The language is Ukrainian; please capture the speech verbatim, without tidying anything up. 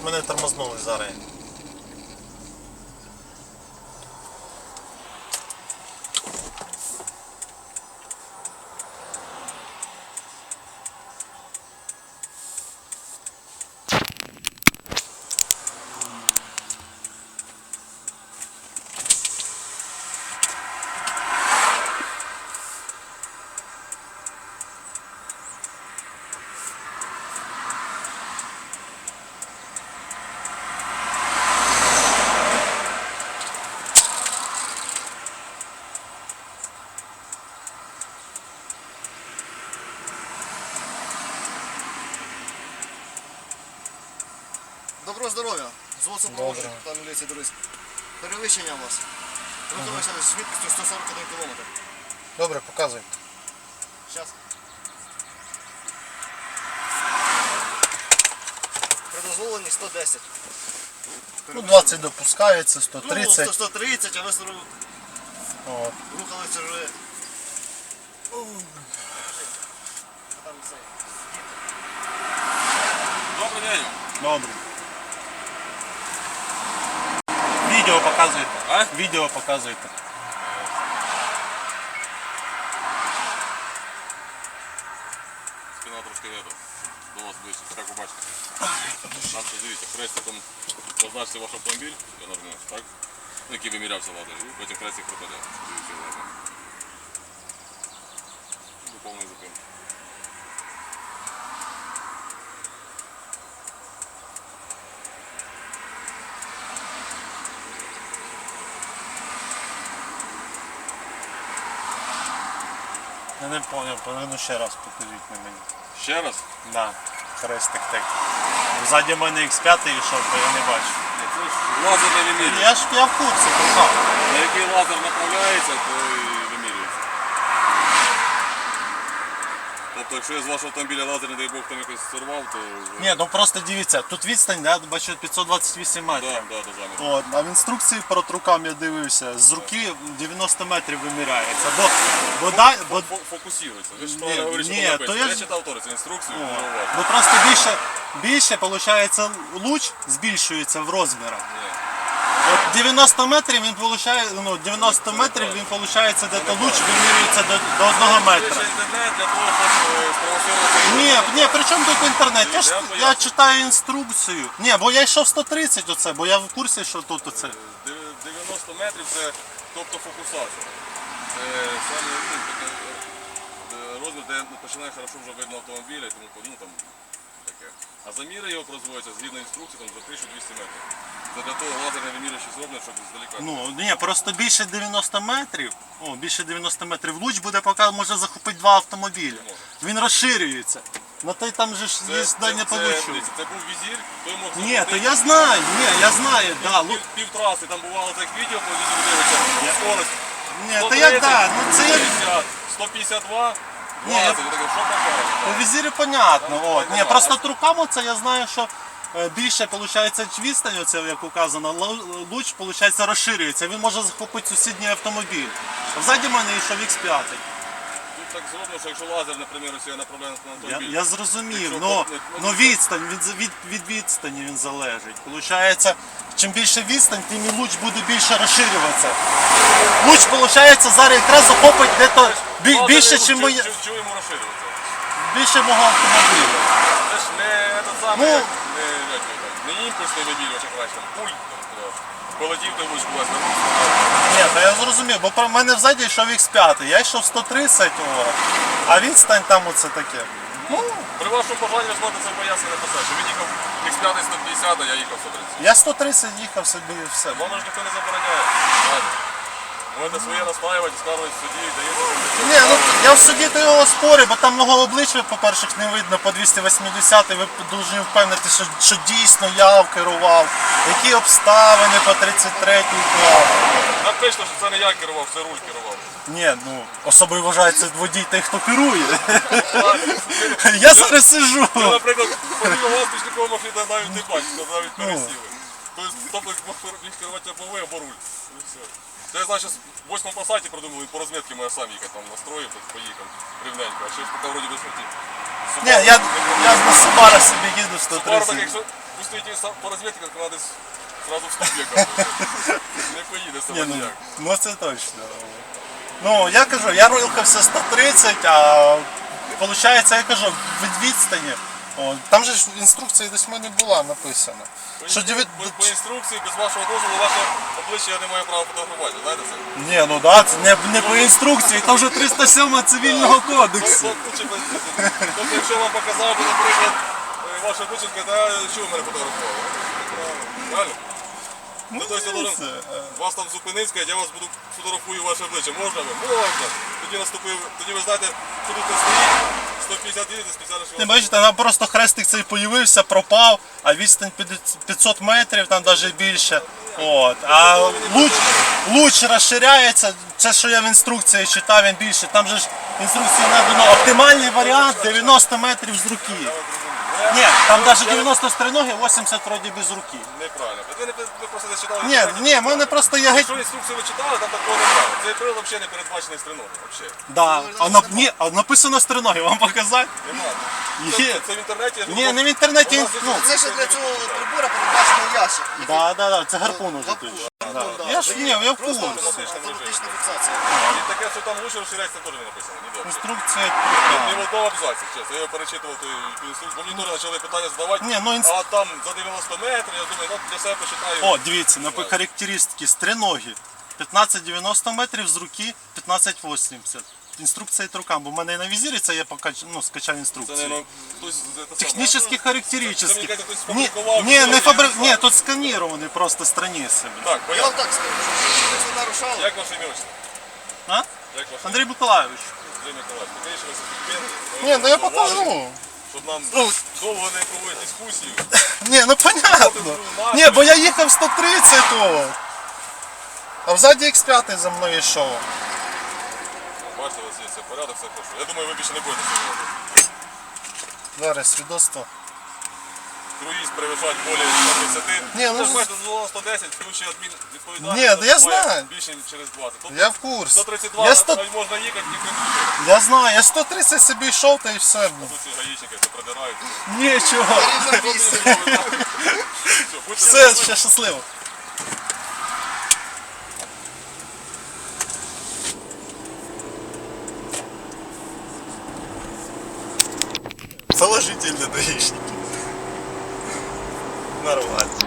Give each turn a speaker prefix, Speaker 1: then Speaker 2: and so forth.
Speaker 1: мене тормознули зараз.
Speaker 2: Доброго здоров'я! Зводця проводжу, там міліція Дорозьк. Перевищення у вас. Рухалися з швидкістю сто сорок один кілометр.
Speaker 1: Добре, показуй.
Speaker 2: Зараз. Предозволені сто десять.
Speaker 1: Ну, двадцять допускається, сто
Speaker 2: Ну,
Speaker 1: тридцять.
Speaker 2: сто тридцять, а ви
Speaker 1: От.
Speaker 2: рухалися вже. Там все.
Speaker 3: Добрий день.
Speaker 1: Добре. Відео показуєте.
Speaker 3: А?
Speaker 1: Відео показуєте.
Speaker 3: Спина трошки не до вас ближче, так побачите. Там що, дивіться, хрестиком позначте ваш автомобіль, я нажму, так? Ну, який вимірявся ладно, і потім хрестик пропаде. Дивіться, ладно. До повної зупинки.
Speaker 1: Я не зрозумів, повинно ще раз покажіть на мені.
Speaker 3: Ще раз?
Speaker 1: Да, хрестик так. Ззаді мене ікс п'ять йшов, то я не бачу.
Speaker 3: Це ж лазерне вимірюється.
Speaker 1: Я ж я в курсі, казав.
Speaker 3: На який лазер направляється, то і вимірюється. Тобто, якщо я з вашого автомобіля лазер, не дай Бог, там якось сорвав, то...
Speaker 1: Ні, ну просто дивіться, тут відстань, да, бачу п'ятсот двадцять вісім метрів.
Speaker 3: Так, так, до заміру.
Speaker 1: От, а в інструкції перед руками я дивився, з руки дев'яносто метрів виміряється. Бо, бо, дай, бо,
Speaker 3: Фокусирується. Ви ж
Speaker 1: Ні,
Speaker 3: правильно говорите,
Speaker 1: ні,
Speaker 3: що написано.
Speaker 1: то я
Speaker 3: Я
Speaker 1: ж-
Speaker 3: читав теж цю інструкцію,
Speaker 1: О,
Speaker 3: дуже уважно.
Speaker 1: бо просто більше, більше, виходить, луч збільшується в розмірах.
Speaker 3: Ні.
Speaker 1: От дев'яносто метрів він получає, ну, дев'яносто метрів він виходить, де то луч вимірюється до, до одного
Speaker 3: Це
Speaker 1: метра.
Speaker 3: ще інтернет для того, щоб е, спровоцирувати...
Speaker 1: Ні, ні, при чому тут інтернет? Я, ж,
Speaker 3: Я
Speaker 1: я
Speaker 3: поясню.
Speaker 1: читаю інструкцію. Ні, бо я йшов сто тридцять оце, бо я в курсі, що тут оце.
Speaker 3: Дев- дев'яносто метрів це тобто фокусація. Це саме ну, таке, е, розмір, де починає хорошо вже видно автомобіля і тому подібне, там таке. А заміри його производяться згідно інструкції там, за тисячу двісті метрів. Це для того лазерне вимірювачі зроблено, щоб здалека.
Speaker 1: Ну, ні, просто більше дев'яноста метрів, о, більше дев'яноста метрів луч буде, поки може захопити два автомобілі. Він розширюється. Ну той там же ж є здання по лучу.
Speaker 3: дивіться, це був візір, той мог
Speaker 1: Ні, то
Speaker 3: захопити
Speaker 1: я знаю, ні, я знаю, да, лу...
Speaker 3: пів, пів траси, там бувало так відео по візіру дивиться, скорость.
Speaker 1: Ні, то я, да, ну це я...
Speaker 3: сто п'ятдесят два,
Speaker 1: Ні, я-
Speaker 3: двадцять, я такий, що попало?
Speaker 1: По візирі понятно, от. Ні,
Speaker 3: понятно.
Speaker 1: просто трукам це я знаю, що е, більше виходить відстань, оце, як указано, лу- луч виходить, розширюється, він може захопити сусідній автомобіль. Ззаді мене йшов ікс п'ять.
Speaker 3: Тут так зроблено, що якщо лазер, наприклад, ось я направляю на
Speaker 1: Я,
Speaker 3: автомобіль.
Speaker 1: я зрозумів,
Speaker 3: Якщо
Speaker 1: но,
Speaker 3: копнуть,
Speaker 1: но відстань, від, від, від відстані він залежить. Получається, чим більше відстань, тим і луч буде більше розширюватися. Луч, виходить, зараз якраз захопить дето бі-
Speaker 3: Лазер
Speaker 1: більше,
Speaker 3: йому-
Speaker 1: чим моє,
Speaker 3: чим- чим йому розширюватися?
Speaker 1: більше мого автомобіля.
Speaker 3: Це ж не те саме,
Speaker 1: Ну.
Speaker 3: як, не, як його там, не імпульсний вимірювач, як краще, там пульт, там, куди. Полетів той луч кудись, вернувся.
Speaker 1: Ні, то я зрозумів, бо про мене взаді йшов ікс п'ять, я йшов сто тридцять, о, а відстань там оце таке. Ну,
Speaker 3: При вашому бажанні ви зможете це пояснення написати, що він їхав ікс п'ять сто п'ятдесят, а я їхав сто тридцять.
Speaker 1: я сто тридцять їхав собі і все.
Speaker 3: Вам ж ніхто не забороняє. Ладно. Можете своє наслаювати, скаржувати в суді, даєте.
Speaker 1: Ні, ну я в суді то його спорю, бо там мого обличчя, по-перше, не видно по двісті вісімдесят, ви дуже впевнити, що, що дійсно я керував, які обставини по тридцять третій клав.
Speaker 3: Напишно, що це не я керував, це руль керував.
Speaker 1: Ні, ну особливо вважається водій той, хто керує. Я зараз сижу.
Speaker 3: Ви, наприклад, подивив вас пішлякову машину, навіть не бачите, навіть пересіли. Тобто, тобто міг керувати або ви, або руль. І все. Це я знаю, що в восьмому пасаті придумали по розмітці, моя сам їхав, там настроїв, так поїхав рівненько, а ще ж поки вроді без смерті.
Speaker 1: Ні, я, я на Субара собі їду сто
Speaker 3: Субару так,
Speaker 1: тридцять.
Speaker 3: якщо пустив інструкції ті са- по розвідці, як вона десь зразу в ступі кажуть. Не поїде
Speaker 1: Ні,
Speaker 3: себе
Speaker 1: ну,
Speaker 3: ніяк.
Speaker 1: ну це точно. Ну, я кажу, я рухався сто тридцять, а виходить, я кажу, від відстані. О, там же ж в інструкції десь в мене була написано.
Speaker 3: По,
Speaker 1: Що
Speaker 3: інстру-
Speaker 1: дев'ять-
Speaker 3: по, по інструкції, без вашого дозволу, ваше обличчя я не маю права фотографувати, знаєте це?
Speaker 1: Ні, ну да, це не, не по інструкції, там вже триста сьома цивільного кодексу.
Speaker 3: Тобто, лучше без- тобто, якщо вам показав би, наприклад, е, ваше обличчя, то що ви мене фотографували? Правильно? Ну, тобто, я должен
Speaker 1: це,
Speaker 3: вас там зупинив, сказати, я вас буду фотографую ваше обличчя. Можна ви? Можна. Тоді наступив, тоді ви знаєте, що тут не стоїть, сто п'ятдесят їдете спеціально, що
Speaker 1: Не
Speaker 3: вас...
Speaker 1: бачите, там просто хрестик цей появився, пропав, а відстань п'ятсот метрів, там навіть більше. От. А луч, луч розширяється, це що я в інструкції читав, він більше. Там же ж в інструкції надано оптимальний варіант дев'яносто метрів з руки. Ні, там навіть дев'яносто з триноги, вісімдесят вроді без руки.
Speaker 3: Неправильно. Ви, не, ви просто не читали.
Speaker 1: Ні, ні, в мене просто я геть.
Speaker 3: Якщо інструкцію ви читали, там такого немає. Цей прилад взагалі не передбачений стріногом. Взагалі.
Speaker 1: Да. А, на, ні, а написано з триноги, вам показати?
Speaker 3: Немає.
Speaker 1: Є.
Speaker 3: Це, це в інтернеті. я ж
Speaker 1: Ні,
Speaker 3: говорю,
Speaker 1: не в інтернеті,
Speaker 3: у нас
Speaker 1: ну.
Speaker 3: є
Speaker 2: Це ще для цього прибора передбачений ящик.
Speaker 1: Да, да, да, це гарпун уже
Speaker 2: Гарпун,
Speaker 1: точно.
Speaker 2: гарпун, да.
Speaker 1: Я ж ні, я в
Speaker 2: Просто
Speaker 1: курсі.
Speaker 2: автоматична фіксація.
Speaker 3: І таке, що там лучше розширяється, теж не написано. Ні, добре.
Speaker 1: Інструкція.
Speaker 3: Ні в одному абзаці, чесно. Я його перечитував ту ту інструкцію, бо мені теж почали питання задавати.
Speaker 1: Ні, ну, інс-
Speaker 3: А там за дев'яносто метрів, я думаю, ну для себе почитаю.
Speaker 1: О, дивіться, на характеристики з триноги. п'ятнадцять дев'яносто метрів з руки, п'ятнадцять вісімдесят. Інструкція від рукам, бо в мене і на візирі це є покач... ну, скачав
Speaker 3: Це,
Speaker 1: інструкцію.
Speaker 3: наверное, хтось... це саме.
Speaker 1: Технічні
Speaker 3: Це, мені
Speaker 1: характеристики.
Speaker 3: кажуть, хтось
Speaker 1: Ні,
Speaker 3: сфабрикував,
Speaker 1: ні, не
Speaker 3: зробив,
Speaker 1: фабрик...
Speaker 3: я не
Speaker 1: Ні,
Speaker 3: знаю.
Speaker 1: тут сканіровані просто страниці. блін.
Speaker 3: Так,
Speaker 2: Я
Speaker 3: понятно.
Speaker 2: вам так скажу, що це нарушало.
Speaker 3: Як ваше ім'я? отчество?
Speaker 1: А?
Speaker 3: Як ваше
Speaker 1: Андрій Миколайович.
Speaker 3: Андрій Миколаївич? Покажіть ваші документи.
Speaker 1: Ні, ну я
Speaker 3: Щоб
Speaker 1: покажу.
Speaker 3: Щоб нам довго не проводити дискусію.
Speaker 1: Ні, ну понятно. Ні, бо я їхав сто тридцять того. А взаді ікс п'ять за мною йшов.
Speaker 3: Бачите, у вас є все порядок, все хорошо. Я думаю, ви більше не будете сьогодні.
Speaker 1: Зараз свідоцтво.
Speaker 3: Круїз перевищать более сто тридцять.
Speaker 1: Ні, ну,
Speaker 3: Це ж бачите, дозволено сто десять, включує адмін відповідальність.
Speaker 1: Ні, да я
Speaker 3: наступає
Speaker 1: знаю.
Speaker 3: Більше, ніж через двадцять. Тобто
Speaker 1: Я в курсі.
Speaker 3: сто тридцять два
Speaker 1: Я, сто...
Speaker 3: можна їхати, ніхто не буде.
Speaker 1: я знаю, я сто тридцять собі йшов та і все.
Speaker 3: Тут ці гаїчники все продирають.
Speaker 1: Нічого.
Speaker 2: Рівно вісім.
Speaker 3: Все, будьте
Speaker 1: Все, ще щасливо. Положительно даишники. Нормально.